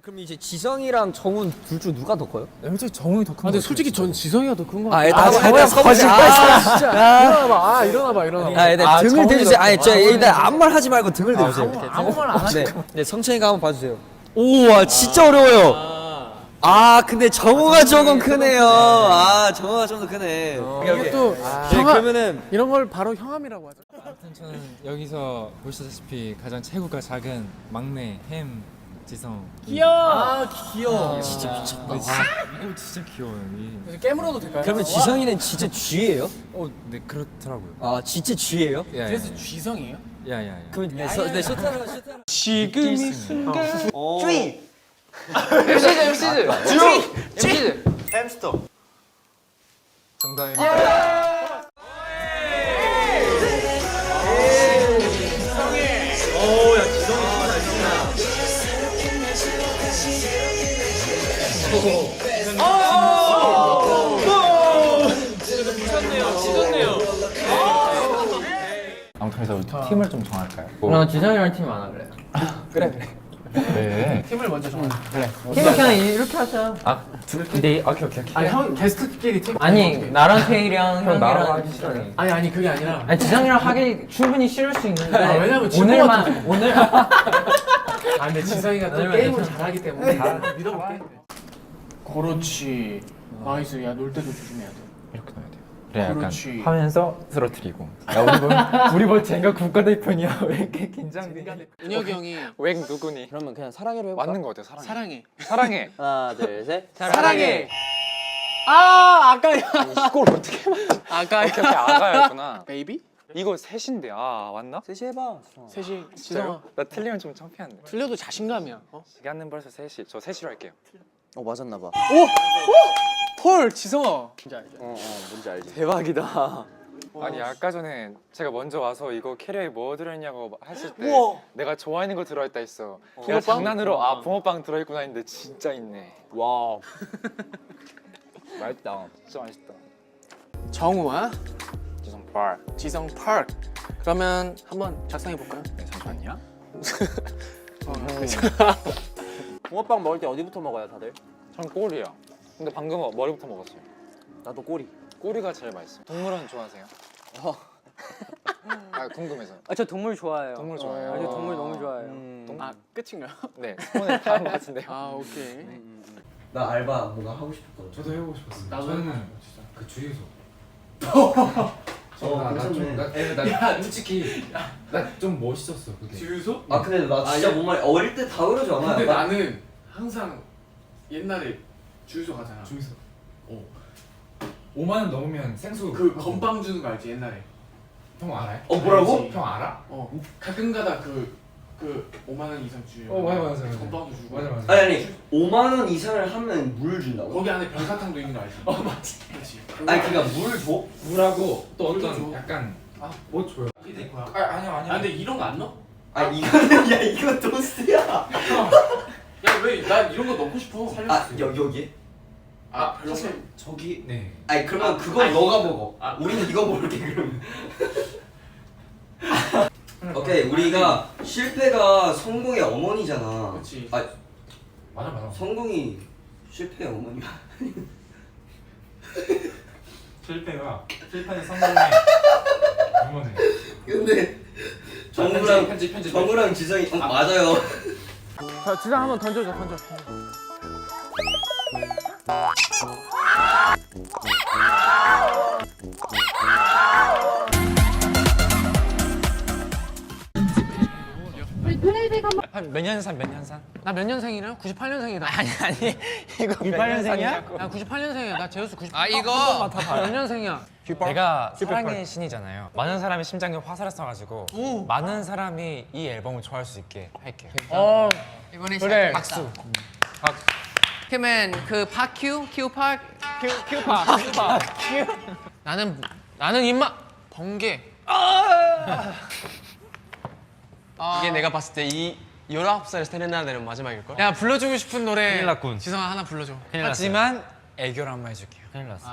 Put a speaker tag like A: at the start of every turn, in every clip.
A: 그럼 이제 지성이랑 정훈 둘 중 누가 더 커요?
B: 솔직히 정훈이 더 큰 거.
C: 근데 솔직히 전 지성이가 더 큰 거
A: 아,
C: 같아.
A: 일단 거짓말.
C: 진짜. 일어나봐.
A: 아, 일단 등을 대주세요. 아니, 저 일단 아무 말 하지 말고 등을 대주세요.
C: 아무 말 안 하니까.
A: 네, 네, 성찬이가 한번 봐주세요. 오, 와, 진짜 어려워요. 아, 근데 정우가 조금 크네요. 아, 정우가 좀 더 크네.
C: 이것도
A: 네, 그러면은
C: 이런 걸 바로 형함이라고 하죠.
B: 아무튼 저는 여기서 보시다시피 가장 체구가 작은 막내 햄 지성.
C: 귀여워.
A: 진짜 미쳤다.
B: 이거 진짜 귀여워요.
C: 깨물어도 될까요?
A: 그러면 지성이는 진짜 G예요?
B: 네 그렇더라고요.
A: 아, 진짜 G예요?
C: 그래서 쥐성이에요?
B: 야야야.
A: 그럼 네, 쇼타로.
C: 지금 이 순간.
A: G.
C: MC.
D: 햄스터.
B: 정답입니다. 아무튼 그래서 우리 팀을 좀 정할까요?
E: 나 지성이랑 팀 안 할래.
B: 네.
C: 팀을 먼저 정해.
E: 팀을 그냥 이렇게 하자.
B: 근데 오케이.
C: 아니 형 게스트끼리 팀.
E: 아니 나랑 태일이랑
B: 형 나랑
E: 형이랑
B: 하기 싫어해.
C: 아니 그게 아니라.
E: 아니 지성이랑 하기 충분히 싫을 수 있는데
C: 왜냐면 질것 같아서.
E: 오늘
C: 아 근데 지성이가 또
E: 아니면
C: 게임을
E: 괜찮아.
C: 잘하기 때문에 믿어볼게. 그렇지. 나이스. 야 놀 때도 조심해야 돼.
B: 이렇게 넣어야 돼요. 그래 약간
C: 그렇지.
B: 하면서 쓰러뜨리고. 야 우리 뭐 젠가 국가대표냐? 왜 이렇게 긴장돼?
C: 은혁이 형이
B: 웽 누구니?
A: 그러면 그냥 사랑해로 해볼까?
B: 맞는 거 같아 사랑해.
C: 사랑해.
B: 사랑해.
A: 하나, 둘, 셋.
C: 사랑해. 아 아까야.
B: 이걸 어떻게 맞아?
C: 아까야.
B: 오케이 아가였구나.
C: 베이비?
B: 이거 셋인데 맞나?
A: 셋이 해봐.
C: 셋이 지성아.
B: 나 틀리면 좀 창피한데.
C: 틀려도 자신감이야.
B: 시간은 벌써 3시. 저 3시로 할게요.
A: 맞았나봐.
C: 헐 지성아.
A: 뭔지 알지?
B: 대박이다. 아니 아까 전에 제가 먼저 와서 이거 캐리어에 뭐 들어있냐고 했을 때 내가 좋아하는 거 들어있다 했어. 내가 장난으로 붕어빵 들어있구나 했는데 진짜 있네.
A: 와. 맛있다.
B: 진짜 맛있다.
C: 정우와
B: 지성 발.
C: 지성 파크. 그러면 한번 작성해 볼까요?
B: 네, 잠시만요.
A: 붕어빵 먹을 때 어디부터 먹어요, 다들?
B: 전 꼬리야. 근데 방금 머리부터 먹었어요.
A: 나도 꼬리.
B: 꼬리가 제일 맛있어요. 동물원 좋아하세요? 아 궁금해서.
E: 아, 저 동물 좋아해요.
B: 동물 좋아해요.
E: 저 동물 너무 좋아해요.
C: 아 끝인가요?
B: 네. 오늘 다한 것 같은데요.
C: 아 오케이.
A: 나 알바 뭔가 하고 싶었거든.
F: 저도 해보고 싶었어요.
C: 나도
F: 저는 그 주유소.
A: 괜찮네.
F: 나 솔직히 나 좀 멋있었어 그게.
C: 주유소?
A: 아 근데 나 진짜 뭔가 어릴 때 다 그러지 않아요?
C: 근데 나는 항상 옛날에 주유소 가잖아.
F: 주유소. 5만 원 넘으면 생수.
C: 그 건빵 주는 거 알지 옛날에?
F: 형 알아요?
A: 뭐라고?
F: 알지? 형 알아?
C: 가끔가다 그 5만 원 이상 주유.
F: 맞아.
C: 건빵도 주고.
F: 맞아.
A: 아니 5만 원 이상을 하면 물 준다고?
C: 거기 안에 별사탕도 있는 거 알지?
F: 맞지.
C: 그렇지.
A: 아니 그니까 물 줘?
F: 물하고 또
C: 물도
F: 어떤
C: 줘.
F: 약간 뭐 줘요?
C: 이게 거야.
F: 아니야.
C: 아 근데 이런 거 안 넣어?
A: 아 이거는 야 이거 토스트야.
C: 야 왜 나 이런 거 넣고 싶어. 살려줬어.
A: 여기?
C: 아 별로.
F: 저기 네.
A: 아니 그러면 그건
C: 아니,
A: 너가 먹어.
C: 아.
A: 우리는 이거 먹을게 그러면. 오케이 우리가 실패가 성공의 어머니잖아.
C: 그렇지.
A: 아
F: 맞아.
A: 성공이 실패의 어머니야.
F: 실패는 성공의 어머니.
A: 근데
F: 편집.
A: 정우랑 지성이 맞아요.
C: 자 지성 한번 던져.
B: 몇 년산?
C: 나 몇 년생이냐? 98년생이다.
B: 아니 이거
C: 98년생이야? 나 98년생이야. 나 제우스 98.
E: 아, 이거!
C: 몇 년생이야?
B: 내가 사랑의 신이잖아요. 많은 사람이 심장에 화살을 쏴가지고 많은 사람이 이 앨범을 좋아할 수 있게 할게요.
E: 이번에
C: 그래.
E: 박수. 그러면 그 파큐? 큐팍?
C: 나는 임마 번개.
G: 이게 내가 봤을 때 이 19살 세레나데는 마지막일걸?
C: 야 불러주고 싶은 노래.
B: 큰일 났군.
C: 지성아 하나 불러줘.
B: 하지만 애교를 한번 해줄게요. 큰일 났어.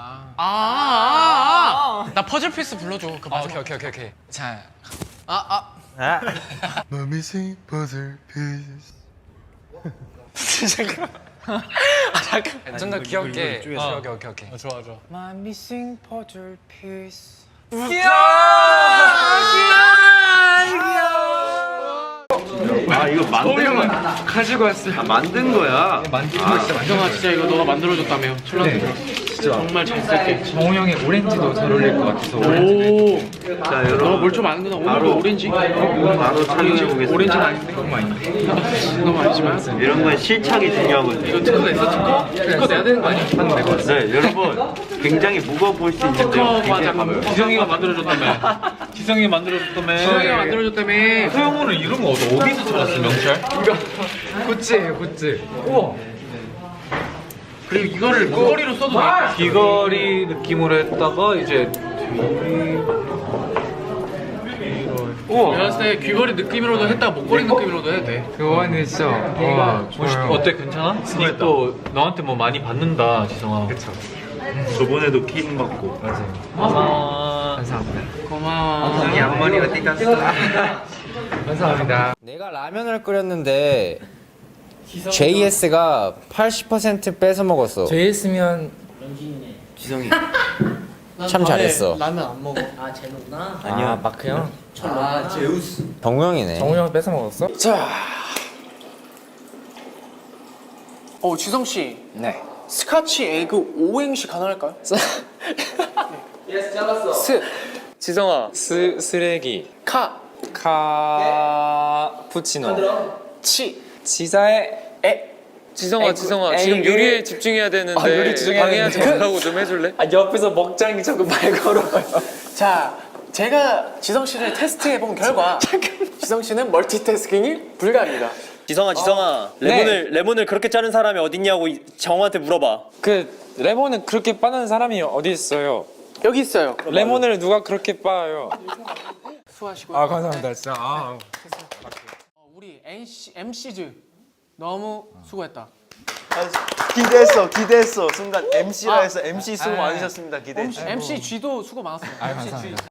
C: 나 퍼즐 피스 불러줘. 그 마지막.
B: 오케이. 자,
G: Let me see puzzle piece.
B: 좀 더 귀엽게.
G: 오케이. 좋아.
B: My missing puzzle piece.
D: 아 이거 만든 거야.
B: 가지고 왔어요.
D: 아, 만든 거야.
C: 정아 진짜 이거 너가 만들어줬다며. 칠라드. 정말 잘 쓸게.
F: 정우 형의 오렌지도 잘 어울릴 것 같아서
C: 오.
D: 자
C: 너가
D: 여러분
C: 뭘 좀 아는구나. 오늘도
D: 바로-
C: 오렌지.
D: 바로 촬영해 보겠습니다.
C: 오렌지는 아닌데.
F: 너무 많이
C: 너무 아니지만.
D: 이런 건 실착이 중요하거든요.
C: 이거 특허가 있어 특허? 특허 내야 되는 거 아니야?
D: 네 여러분 굉장히 무거워 보일 수 있는데요.
C: 특허 잠깐만.
F: 지성이가 만들어줬다며 지성이가 만들어줬다며
C: 수영이가 만들어줬다며.
F: 소영호는 이런 거 어디서 찾았어 명찰?
B: 굿즈예요, 굿즈.
C: 그리고 이거를 꼬리로 써도 돼.
F: 귀걸이 느낌으로 했다가 이제
C: 내가 봤을 때 귀걸이 느낌으로도 했다가 목걸이 느낌으로도 해도 돼.
B: 그거는 진짜 좋아요.
F: 어때 괜찮아? 또 너한테 뭐 많이 받는다 지성아. 그쵸.
D: 저번에도 킹 받고.
B: 감사합니다.
C: 고마워.
D: 양머리가 띠갔어.
B: 감사합니다.
A: 내가 라면을 끓였는데 JS가 80% 뺏어 먹었어.
B: JS면
A: 참 잘했어.
C: 라면 안 먹어.
A: 아니야, 마크 형. 제우스. 정우형이네.
B: 정우 형 뺏어 먹었어?
C: 지성 씨.
A: 네.
C: 스카치 에그 오행시 가능할까요? 스,
B: 지성아, 쓰레기. 카푸치노.
C: 치,
B: 지사의
C: 에.
B: 지성아, 지금 요리에 집중해야 되는데
A: 요리 집중해야
B: 방해하지
A: 되는데.
B: 말라고 좀 해줄래?
A: 옆에서 먹장이 자꾸 말 걸어요.
C: 자, 제가 지성 씨를 테스트해 본 결과 지성 씨는 멀티태스킹이 불가합니다.
H: 지성아 레몬을 그렇게 자른 사람이 어딨냐고 정우한테 물어봐.
B: 그 레몬을 그렇게 빠는 사람이 어디 있어요?
C: 여기 있어요.
B: 레몬을 누가 그렇게 빠요?
C: 수고하시고요.
B: 아 감사합니다, 진짜.
C: 우리 MC즈 너무 수고했다.
H: 기대했어. 순간 MC라 해서 MC 수고 많으셨습니다. 기대했죠.
C: MC G도 수고 많았어요.
B: 감사합니다.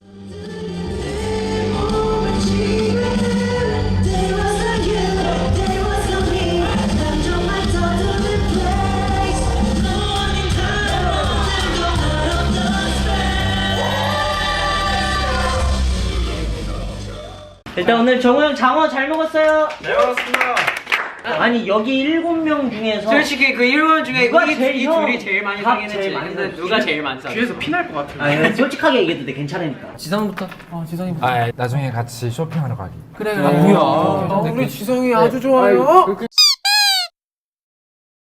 I: 일단 오늘 정우 형 장어 잘 먹었어요. 잘 먹었습니다. 아니 여기 7명 중에서
E: 솔직히 그 1번 중에
I: 누가
E: 이
I: 제일 형,
E: 둘이 제일 많이
I: 밥
E: 상했지.
I: 제일 많이
E: 근데 누가 제일 많이 상했어?
C: 뒤에서 피날 것 같아.
I: 아니 솔직하게 얘기해도 돼 괜찮으니까.
E: 지성부터.
C: 지성이부터.
B: 아 나중에 같이 쇼핑하러 가기.
C: 그래. 뭐야? 우리 지성이 아주 좋아요.